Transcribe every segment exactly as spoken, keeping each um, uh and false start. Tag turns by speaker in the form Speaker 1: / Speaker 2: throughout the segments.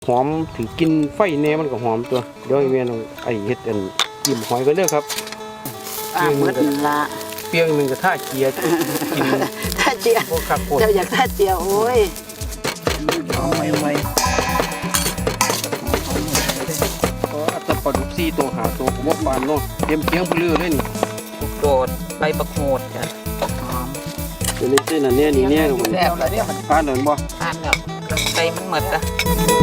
Speaker 1: หอมถือกินไฟแน่มันก็หอมตัวเดี๋ยวไอ้แม่น้องไอ้เฮ็ดอันจิ้มหอยกันเด้อครับ
Speaker 2: อ่าหมดละ
Speaker 1: เปียงหนึ่งกับท่าเกียร์กิน
Speaker 2: ท่าเจียเจ้าอยากท่าเจียโอ้ยเอาไว้ไว้
Speaker 1: ก็ตะปลาดุกซี่ตัวหาตัวผมว่าปานเนาะเตรียมเคียงไปเรื่อยเลยนี่
Speaker 2: โดดใบประโคดจ้ะหอม
Speaker 1: ตัวนี้เส้นอันนี้นี่เนี่ยทุกคน
Speaker 2: แล้วแล้วเนี่ยมัน
Speaker 1: ปานเดินบ่
Speaker 2: ทานแบบใส่มันหมดอ่ะ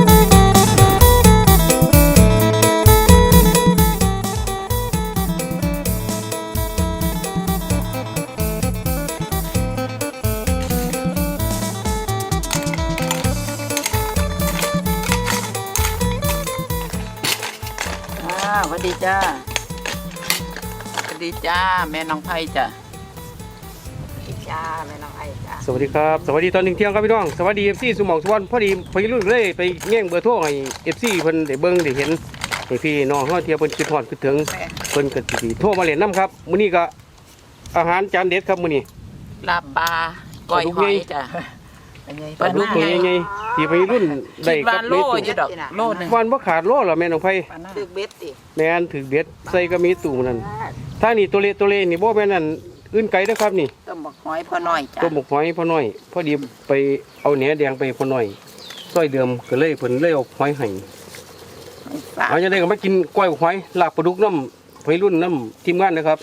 Speaker 2: สวัสดีจ้าสวัสดีจ้าแม่น้องไผ่จ้ะสวัสดีจ้าแม่น้องไผ่จ้า
Speaker 1: สวัสดีครับสวัสดีตอนเที่ยงครับพี่น้องสวัสดีเอฟซีสุหมองสุวรรณพอดีพอรุ่นเลยไปแง่งเบอร์โทรให้เอฟซีเพิ่นได้เบิ่งได้เห็นให้พี่น้องเฮาเที่ยวเพิ่นคิดฮอดคิดถึงเพิ่นก็สิโทรมาเล่นน้ำครับมื้อนี้ก็อาหารจานเด็ดครับมื้อนี้
Speaker 2: ลาบปลาก้อยหอยจ้ะ
Speaker 1: ปลาดุกตัวใหญ่ๆที่ไปรุ่นได้กับเม็ดโลนึงวันบ่ขาดโลหรอแม่น้องไผ
Speaker 2: ถือเบ็ดติ
Speaker 1: แม่นถือเบ็ดใส่ก็มีตู้นั่นถ้านี่ตัวเล็กตัวเล็กนี่บ่แม่นนั่นอื่นไกลเด้อครับนี่
Speaker 2: ต้มหมกหอยพอน้อยจ้ะ
Speaker 1: ต้มหมกหอยพอน้อยพอดีไปเอาแหนแดงไปพอน้อยซอยเดิมก็เลยเพิ่นเลยเอาหอยให้เอาจังได๋ก็มากินก้อยหอยลาบปลาดุกน้ำวัยรุ่นน้ำทีมงานนะครับ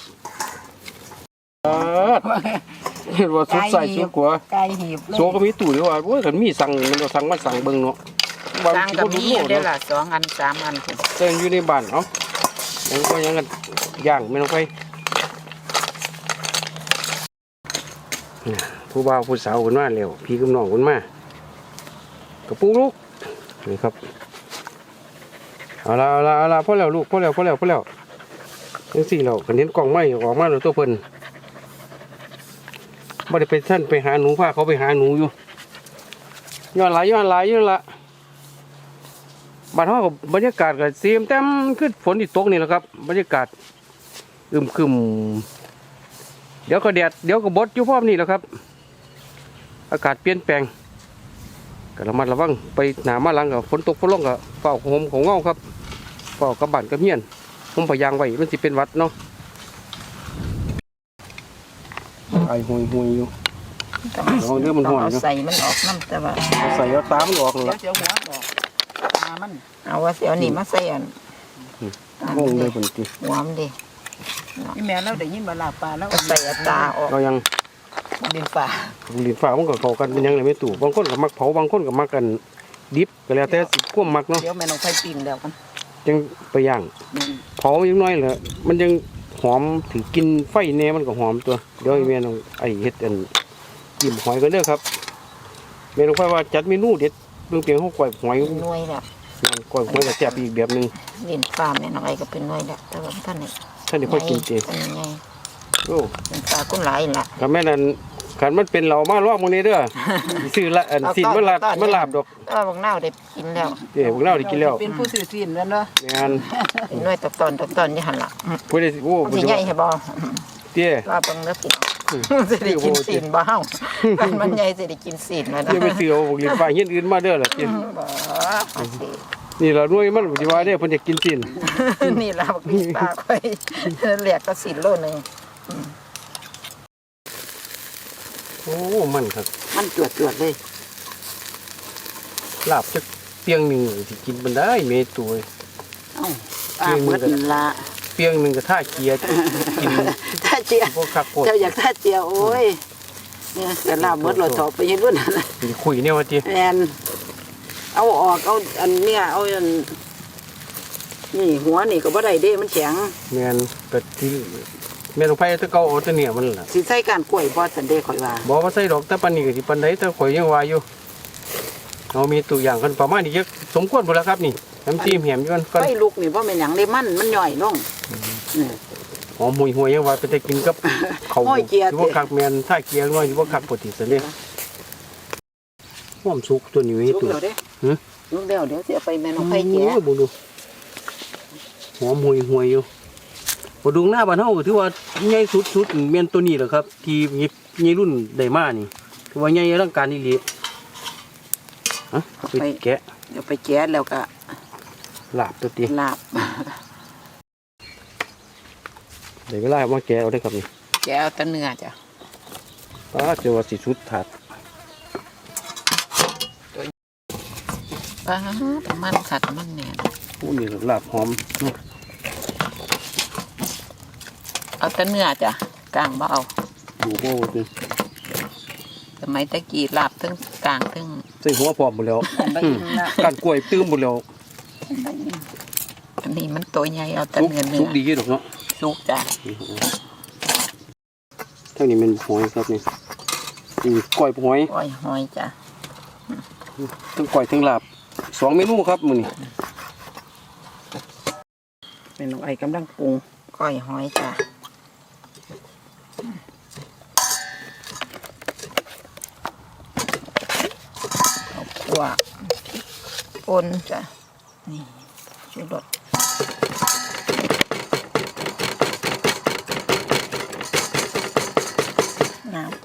Speaker 1: เห็นว่าสุดใส่สุดกว่า
Speaker 2: ไก่หีบ
Speaker 1: โซก็มีตู้เดียวว่าโอ้ยคันมีสั่งมันก็สั่งมาสั่งเบิ่งเนาะ
Speaker 2: สั่งก็มีอยู่ได้ล่ะสองอันสามอัน
Speaker 1: เต้นอยู่ในบ้านเอ้ายังก็ยังกันย่างไม่ต้องไปผู้บ่าวผู้สาวคนมาแล้วพี่กับน้องคนมากระปุกลูกนี่ครับเอาละเอาละเอาละพอแล้วลูกพอแล้วพอแล้วพอแล้วจังสี่เราคันเห็นกล่องไม้ออกมาแล้วตัวเพิ่นบ่ได้ไปท่านไปหาหนูพาเขาไปหาหนูอยู่ย้อนหลายย้อนหลายอยู่ละบ้านเฮากับบรรยากาศก็เสียมเต็มขึ้นฝนที่ตกนี่แหละครับบรรยากาศอึมครึมเดี๋ยวก็แดดเดี๋ยวก็บดอยู่พร้อมนี่แหละครับอากาศเปลี่ยนแปลงก็ระมัดระวังไปหนามาหลังกับฝนตกฝนลงกับเฝ้าโฮมของเงาครับเฝ้ากับบ้านกับเฮียนผมพยายามไว้มันสิเป็นวัดเนาะไอห่วยห่วยอยู่ลองเนื้อมันห่วยอยู่
Speaker 2: ใส่มันออกน้ำแต่ว่า
Speaker 1: ใส่เอาตามันออกเลย
Speaker 2: เดี๋ยวหัวออกตามันเอาว่าเสียวนี่มาใส่อัน
Speaker 1: งงเลยคนจี
Speaker 2: หัวมันดิ
Speaker 3: นี่แม่เราได้ยินมาลาปลาแล้ว
Speaker 2: ใส่ตาออก
Speaker 1: เรายัง
Speaker 3: ดินป่า
Speaker 1: ดินฝ่ามันก็เข้ากันเป็นยังไงไม่ตู่บางคนก็มักเผาบางคนก็มักกันดิบก็แล้วแต่สิควบมักเนาะ
Speaker 3: เดี๋ยวแม่น้องไฟปิ้งแล้วกัน
Speaker 1: ยังไปย่างเผายังน้อยเลยมันยังหอมถือกินไฟแน่มันก็หอมตัวเดี๋ยวไอ้แม่น้องไอ้เฮ็ดอันจิ้มหอยกันเด้อครับแม่น้องไฟว่าจัดเมนูเด็ดเรื่องเพียงเขาก้อยหอย
Speaker 2: น้อยแล้ว
Speaker 1: ก้อยหอยก็แซ่บอีกแบบนึง
Speaker 2: ดินป่าแม่น้องไอ้ก็เป็นน้อยแล้วแต่ว่าท่านนี่
Speaker 1: ท่านนี่ค่อยกินเจโอ้
Speaker 2: ดินป่ากุ้งหลายล่ะ
Speaker 1: กับแม่นั่นขันมันเป็นเหล่ามาลอกมื้อนี้เด้อซื้อละอันสินมันลาบมันลาบดอก
Speaker 2: เออบางเน่าได้กินแล้ว
Speaker 1: เด้บางเน่าได้กินแล้ว
Speaker 3: เป็นผู้ซื้อสินแล้วเนาะ
Speaker 1: แม่น
Speaker 2: น้อยตอนตอนตอนนี่หั่นล่ะ
Speaker 1: ผู้ใดโอ้
Speaker 2: ผู้ใหญ่ให้บ่
Speaker 1: เตี้ย
Speaker 2: ว่าเบิ่งแล้วสิสิได้กินสินบ่เฮามันมันใหญ่สิได้กินสินแล้วนะ
Speaker 1: เตี้ยไปซื้อเอาบ่กินฟ้าเฮ็ดอื่นมาเด้อล่ะเตี้ย
Speaker 2: บ่
Speaker 1: นี่ล่ะรวยมันสิว่าเด้อเพิ่นจะกินสิน
Speaker 2: นี่ล่ะบักมีปลาค่อยเรียกก็สินโลนึง
Speaker 1: โอ้มันครับ
Speaker 2: มันจวดจวดเลย
Speaker 1: ลาบจะเปียงหนึ่งที่กินมันได้เมตัว
Speaker 2: เอ้าปลาหมดละ
Speaker 1: เปียงหนึ่งกับท่าเกียร์กิน
Speaker 2: ท่าเจียเจ้าอยากท่าเจียโอ้ยเนี่ยแต่ลาบหมดเราสอบไปยังรุ่นอะไร
Speaker 1: คุยเนี่ยว่าจี
Speaker 2: แอนเอาออกเอาอันเนี้ยเอาอันนี่หัวนี่ก็บ่ได้เด้มันแข็ง
Speaker 1: แมนแต่ที่แม่ลงไปตะเกาเอาตะเนี่ยมันล่ะ
Speaker 2: สิใส่การกล้วยบ่สันเด้ข่อยว่า
Speaker 1: บ่ว่าใส่ดอกตะปันนี่ก็สิปันใดแต่ข่อยยังว่าอยู่เรามีตัวอย่างกันประมาณนี้เยอะสมควรบ่แล้วครับนี่น้ำจิ้มแหมอยู่กัน
Speaker 2: ไฟลุกนี่บ่แม่นหยังเลยมันมันย่อยลงนี่
Speaker 1: หอมห่วยๆยังว่าไปได้กินกับข้าวอยู่บ่คักแม่นท่าเกียร์น้อยอยู่บ่คักปกติซั่นเด้หอมสุกตัวนี้ให้ตัว
Speaker 2: หึลุกแล้วเดี๋ยวสิเอาไปแม่น้องไผแกะ
Speaker 1: บ่ดูหอมห่วยๆอยู่ปลาดุกหน้าบ้านเฮาถือว่าใหญ่สุดๆแม่นตัวนี้แหละครับที่ใหญ่รุ่นได้มานี่ถือว่าใหญ่อลังการอีหลีฮะไปแกะ
Speaker 2: เดี๋ยวไปแก๊สแล้วก็
Speaker 1: ลาบตัวตี
Speaker 2: ลาบ
Speaker 1: เดี๋ยวเวลามาแกะเอาได้ครับนี่
Speaker 2: แก้วตะเนื้อจ้ะ
Speaker 1: ป้าเจอว่าสีชุดถาด
Speaker 2: ป้ามันขัดมันเนี่ย
Speaker 1: ผู้นี่ลาบหอม
Speaker 2: เอาแตะเนื้อจ้ะกลางบ่เอา
Speaker 1: ดูโบ้ดิ
Speaker 2: สมัยตะกี้ลาบทั้งกลางทั้ง
Speaker 1: ใส่หัวพร้อมหมดแล้ว
Speaker 3: ไปอิ่มละ
Speaker 1: การกล้วยตื้มหมดแล้ว
Speaker 2: อันนี้มันตัวใหญ่เอาแตะ
Speaker 1: สุก
Speaker 2: เนื้อเนื้
Speaker 1: สุ
Speaker 2: อก
Speaker 1: ดีดอกเนาะ
Speaker 2: สุกจ้ะ
Speaker 1: เท่านี้เป็นหอยครับนี่นี่กล้วยหอย
Speaker 2: ก้อยหอยจ้ะ
Speaker 1: ทั้งกล้วยทั้งลาบสองเมนูครับมื้อนี้
Speaker 3: แม่น้องไอ้กำลังปรุง
Speaker 2: ก้อยหอยจ้ะเอาขั่วป่นจ้ะนี่ชูรสน้ำ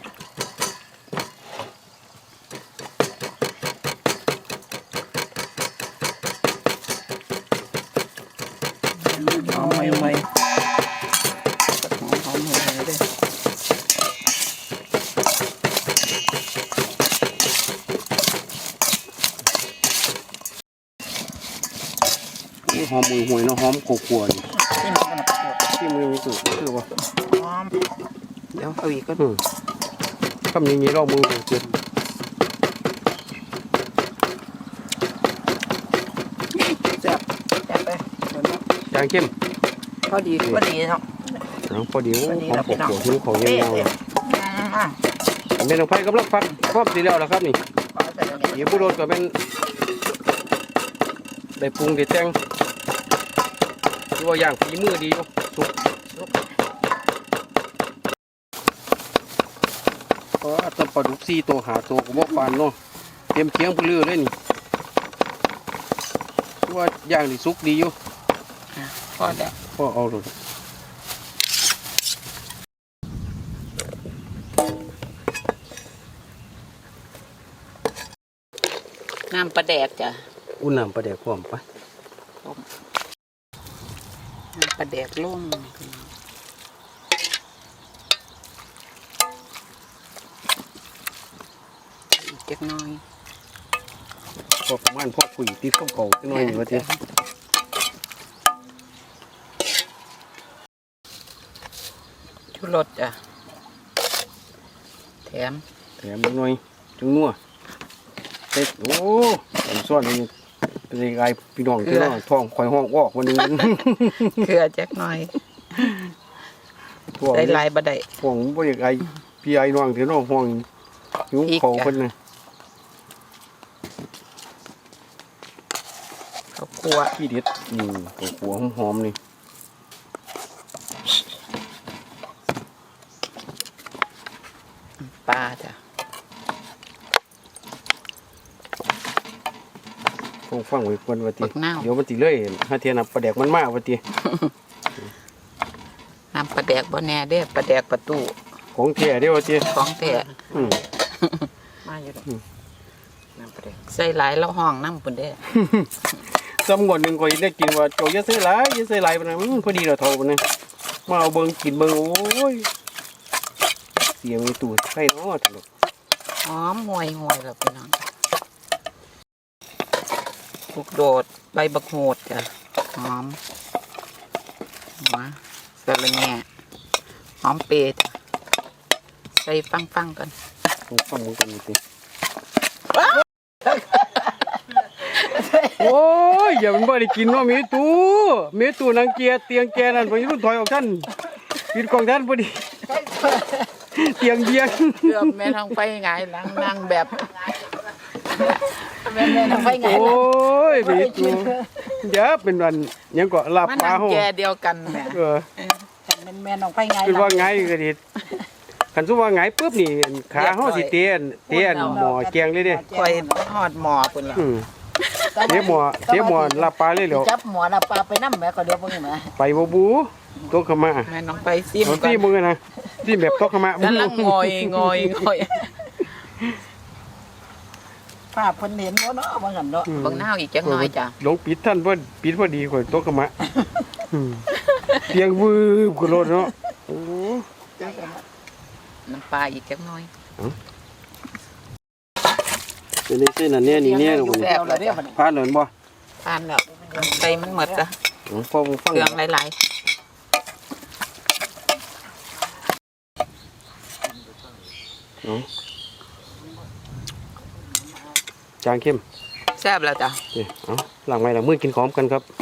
Speaker 3: หอมไม่ไหวหอมหอมไม่ไหวเลย
Speaker 1: นี่หอมมือหวยเนาะหอมกลัวๆนี่
Speaker 3: นี่มันก็ปวด
Speaker 1: ที่มือมีสุดคือว่า
Speaker 3: หอมเดี๋ยวเอาอีกก็
Speaker 1: อืมคำอย่างนี้เรามือเจ็บ
Speaker 3: แซ่บแซ่บไปเดี๋ยวนะ
Speaker 1: จางเข้ม
Speaker 3: พอดีพอดีเนาะ
Speaker 1: เอาพอดีห
Speaker 3: พอดี
Speaker 1: อม
Speaker 3: แล้ว
Speaker 1: ก
Speaker 3: พี่น้อง
Speaker 1: ลัวๆหิวของยาวๆ
Speaker 3: เอ๊ะ อ่ะ
Speaker 1: แม่น้องไผ่กำลังฟัดพร้อมสีแล้วล่ะครับนี่
Speaker 3: ขอใส่ตรงนี้
Speaker 1: เดี๋ยวผู้โดนก็เป็นได้ปรุงได้แต่งที่ว่าอย่างฝีมือดีอยู่สุกก็อาจจะปลาดุกซี่ตัวหาตัวก็บอกปานเนาะเตรียมเคียงผู้เลือเลยนี่ที่ว่าอย่างนี่สุกดีอยู่
Speaker 2: พอแล้ว
Speaker 1: ก็เอาเลย
Speaker 2: น้ำปลาแดกจ้ะ
Speaker 1: อุ่นน้ำปลาแดกพร้อมปะ
Speaker 2: น้ำปลาแดกลุ่มอีกเล็กน้อย
Speaker 1: พอประมาณพอคุยติดเก่าๆจักหน่อยนี่ว่าเถอะ
Speaker 2: ชูรสจ้ะแถม
Speaker 1: แถมนิดหน่อยจุงนัวเต็ดโอ้ผมซ่อนนี่เป็นไงพี่น้องที่น้องท้องคอยห้องออกวันนึง
Speaker 2: เกลือจักหน่อย
Speaker 1: ท้อง
Speaker 2: ได้ลายบะได้
Speaker 1: ท้องบ่อยากไอพี่ไอ้น้องที่น้องห้องหิวเขาเพิ่นน่ะ
Speaker 2: ข้าวคั่ว
Speaker 1: พี่เด็ดนี่ตัวหัวหอมๆนี่
Speaker 2: ปลาจ้ะ
Speaker 1: ฟังฟังไว้เพิ่นว่าติ
Speaker 2: บักนาว
Speaker 1: เดี๋ยวมันสิเลยหาเทียนับประแดกมันมาว่าติ
Speaker 2: น้ำปลาแดกบ่แน่เด้ปลาแดกประตู
Speaker 1: ของแท้เด้อว่าติ
Speaker 2: ของแท้
Speaker 1: อืม
Speaker 3: มาอยู่ดอกน้ำปลาแดก
Speaker 2: ใส่หลายแล้วห้องน้ำปุ่นเด้
Speaker 1: จำงวดหนึงก็ได้กินว่าโจอย่าซื้อหลายอย่าซื้อหลายปานนั้นอืมพอดีแล้วเท่าปานนั้นมาเอาเบิ่งกินเบิ่งโอ้ยเสียงมีตู้ไข่เนาะตลก
Speaker 2: หอมห่วยห่วยแล้วพี่น้องลูกโดดใบบักโหดจ้ะหอมหัวสะระแหน่หอมเปรย์จ้ะใส่ฟังฟังๆกัน
Speaker 1: ฟังฟังมึงกันนี่ติโอ้ยอย่ามันบ่ได้กินเนาะมีตู้มีตู้นางเกียร์เตียงแกนั่นไปรุ่นถอยออกท่านกินของท่านพอดีเตียงเบียง
Speaker 2: เกือบแม่ทางไฟหงายหลังนั่งแบบ
Speaker 3: แม่แม่น้องไฟไง
Speaker 1: โอ้
Speaker 3: ล่ะ
Speaker 1: ยมีตู้เดี๋ยวเป็นวันยังก็ลาบ
Speaker 2: มัน
Speaker 1: ปลา
Speaker 2: นั่ง
Speaker 1: เฮา
Speaker 2: แกเดียวกันแหม่
Speaker 1: เออ
Speaker 3: แม่แม่น้องไฟไง
Speaker 1: คือ
Speaker 3: ล่ะ
Speaker 1: ว่าไงก็ดิคันสุว่าไงปุ๊บนี่ขาเฮาสิเตียนเตียนหมอแกงเลยเด้
Speaker 2: คอยหอดหมอปุ่นละ
Speaker 1: อืมเสียหมอเสียหมอลาบปลาเลยเหรอ
Speaker 3: จับหมอน่ะปลาไปน้ำแม่ก็เดี๋ยวเบิ่งแม่
Speaker 1: ไปบ่บูตัวขมา
Speaker 2: แม่น้องไปซิม
Speaker 1: เอา
Speaker 2: ก่อ
Speaker 1: ที่
Speaker 2: น
Speaker 1: มึงอะนะที่แบบตัวขมาก
Speaker 2: ำลังงอยงอยงอย
Speaker 3: ภาพเพิ่นเห็นบ่เนาะว่างั้นเนาะ
Speaker 2: เบิ่งหน้าอีกจังน้อยจ้ะ
Speaker 1: หลงปิดท่านว่าปิดพอดีข่อยตกกระมะอืมเสียงวืบกระโดดเนาะโอ้
Speaker 2: น้ำปลาอีกจังน้อย
Speaker 1: เป็นไงเส้นอันเนี้ยนี่เนี่ยลูก
Speaker 2: แซ่บแล้วเด้อบัดนี้
Speaker 1: ผ่านเลยบ่
Speaker 2: ทานแล้วใส่มันหมดจ้ะ
Speaker 1: อ๋อพอมึงฟัง
Speaker 2: เครื่องหลาย
Speaker 1: อ๋อจางเข้ม
Speaker 2: ๆแซ่บแล้วจ้ะ
Speaker 1: โอเคเอาหลังไม้หลังมือกินของกันครับ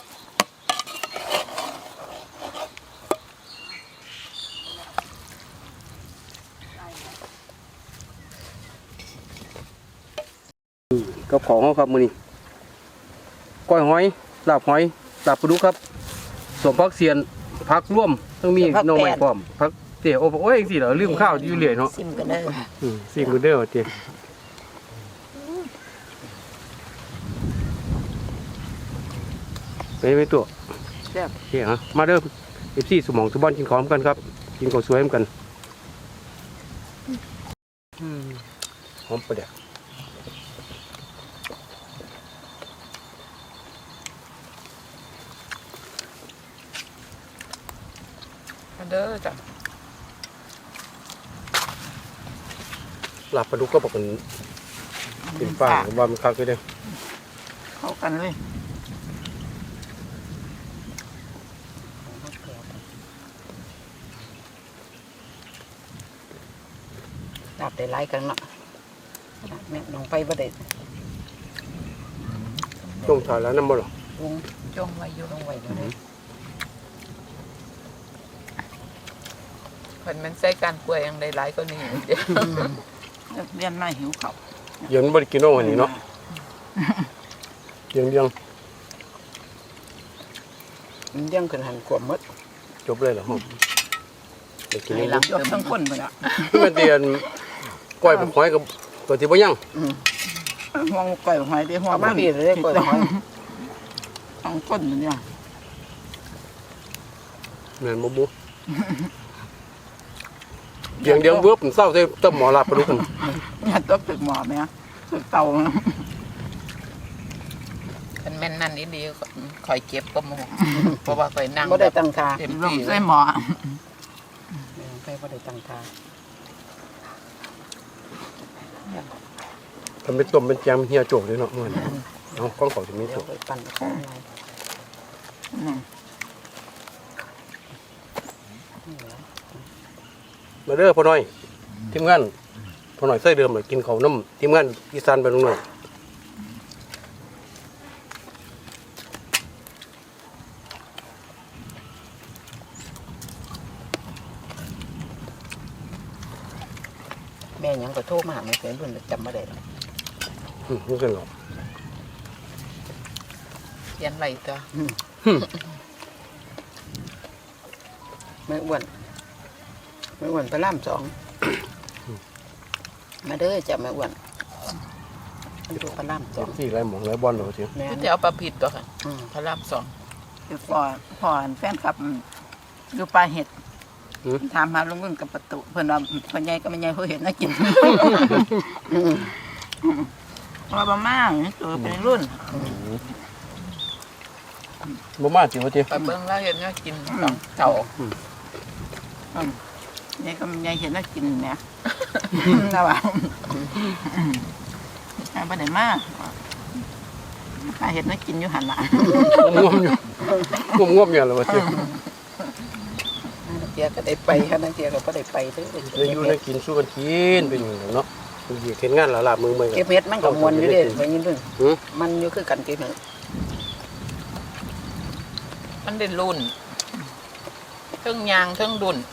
Speaker 1: กับของเขาครับมือนี้ก้อยหอยลาบหอยลาบปลาดุกครับสมพักเสียนพักร่วมต้องมีหน่อไม้พร้อมพักเตี๋ยวโอ้ยสิเหรอลืมข้าวอยู่เรื่อยเนาะ
Speaker 3: ซิมกันเด้อ
Speaker 1: อืมสิมือเด้อเตี๋ยไปไปตัว
Speaker 2: แซ่บ
Speaker 1: โอเคฮะมาเด้อเอฟซีสมองทุบอลกินของกันครับ กินของสวยกันอืมหอมประเดี๋ยว
Speaker 2: มาเด้อจ้ะ
Speaker 1: ลาบปลาดุกก็บอกเป็นเป็นฟ้าว่ามันคักเลยเด้อ
Speaker 3: เข้ากันเลย
Speaker 2: ดับได้หลายกันเนาะแม่น้องไปบ่ได้
Speaker 1: จงถ่ายแล้วน้ำบ่หรอ
Speaker 2: วงจ้องไว้อยู่ตรงไว้อยู่เลยเพิ่นมันใส่การกล้วยยังได้หลายกว่านี้อยู่เด้
Speaker 3: นักเรียนมาหิวข้าว
Speaker 1: เดี๋ย็นบ่ได้กินน้องวันนี้เนาะเดี๋ยังเดียง
Speaker 2: มันยังขึ้นหันกวมหมด
Speaker 1: จบเลยเหรอผมได้กิน
Speaker 2: ใน
Speaker 1: นี่
Speaker 2: หลัง
Speaker 3: ยกทั้งคนไปละ
Speaker 1: มันเตียนก้อยผมหอยกับตัวที่บ่ยัง
Speaker 3: ห่วงก่อยหอยได้ห่วง
Speaker 2: เอามาบีบเลยกล้วยหอย
Speaker 3: ทั้งคนเนี่ย
Speaker 1: แม่นบ่บุเดียงเดียงเวิบผมเศร้าใส่ต้มหมอลาบปลาดุกผม
Speaker 3: เนี่ยตกตึกหมอไหมฮะตึกเตา
Speaker 2: คันแม่นนั่นอีหลีก็คอยเก็บก็หมู่เพราะว่าคอยนั่ง
Speaker 3: บ่ได้ตั้งทา
Speaker 2: เต็ม
Speaker 3: ลง
Speaker 2: ที่เล
Speaker 3: ใส่
Speaker 2: ย
Speaker 3: หมอ
Speaker 2: ไปบ่ได้ตั้งทา
Speaker 1: ทำเป็นต้มเป็นแจมเฮียโจกเลยเนาะมื้อนี้เอาก้องเขาจะมี
Speaker 2: เดี๋ย
Speaker 1: ตัว ว
Speaker 2: ไปปั่นข้างใน
Speaker 3: อืม
Speaker 1: มาเด้อพ่อน้อยทีมงานพ่อน้อยใส่เดิมเลยกินข้าวน้ำทีมงานอีสานไปลุงหน่อย
Speaker 2: แม่ยังก็โทรมาไม่เป็นรุ่นจำบ่ได้หรอก
Speaker 1: อืมนี่กันหรอ
Speaker 2: เขียนไว้ตัวไม่อ้วนไม่อ้วนพระรามสองมาเด้อจ้ะไม่อ้วนมันดูพระรามส
Speaker 1: เจ็
Speaker 2: อบ ง
Speaker 1: สี่ไรหมองไรบอลเหรอเชียว
Speaker 2: แม่จะเอาปลาผิดตัวค่ะพระรามสอง
Speaker 3: คือพอพอแฟนคลับอยู่ปลาเห็ดถามหาลุงรุ่นกับประตูเพิ่นว่าเพิ่นใหญ่ก็ไม่ใหญ่เพิ่นเห็ดน่ากินว่าประมาณนี้ตัวเป็นรุ่น
Speaker 1: บ่มาจิ๋วเจี
Speaker 2: ไปเบิ่งแล้วเห็นว่ากินสองเต่า
Speaker 3: ใหญ่ก็ใหญ่เห็ดน่ากินเนี่ยนะว่าไอ้บ่ได้มาปลาเห็ดน่ากินอยู่หันละ
Speaker 1: ง่วมอยู่ง่วมง่วมอย่างไรวะเจี๋ว
Speaker 2: เกียก็ได้ไปค่ะนั่นเกียก็บ่ได้ไปเด้อ
Speaker 1: ได้อยู่ได้กินสู้กันกินเป็นอย่างไรเนาะเหยียดเห็นงานหลาบมือมือ
Speaker 2: เก็บเฮ็ดมันก็มวนอยู่เด้ไปยินเพิ่น
Speaker 1: หือ
Speaker 2: มันอยู่คือกันเก็บเฮ็ดมันได้รุ่นเครื่องยางเครื่องดุน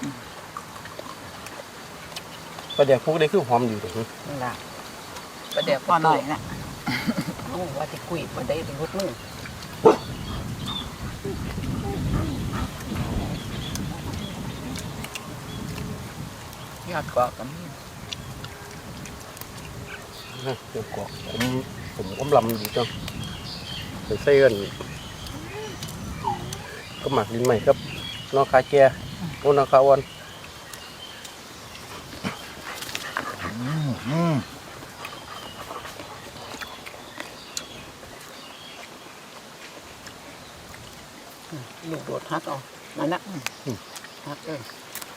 Speaker 1: ประเดี๋ยวพวกได้คือหอมอยู่ตรงนี้
Speaker 2: นั่นล่ะประเดี๋ยว
Speaker 3: พอหน่อยนะ
Speaker 2: โอ้ว่าที่คุยบ่ได้รุดมือ ยอดกอกกับมี
Speaker 1: นะเดี๋ยวกอกผมผมกำลำอยู่จังไปใส่กันก็หมักดินใหม่ครับนอกคาแก่โอ้นอกคาอ่อน
Speaker 3: ลูกโดดฮักเอานั่นนะฮักเออ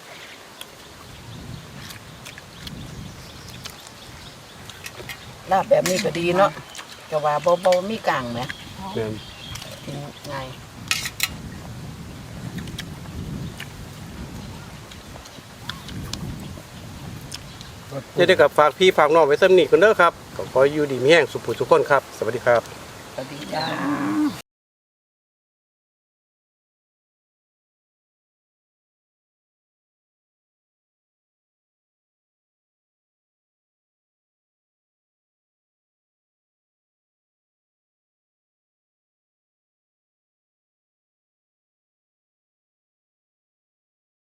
Speaker 3: ลาบแบบนี้ก็ดีเนาะก็ว่าเบาๆมีกลางไหม
Speaker 1: แม่น
Speaker 3: กินง่าย
Speaker 1: จะได้กับฝากพี่ฝากน้องไว้ซ้ำนี่คนเด้อครับก็ขออยู่ดีมีแห้งสุขผู้ทุกคนครับสวัสดีครับ
Speaker 3: สวัสดีจ้า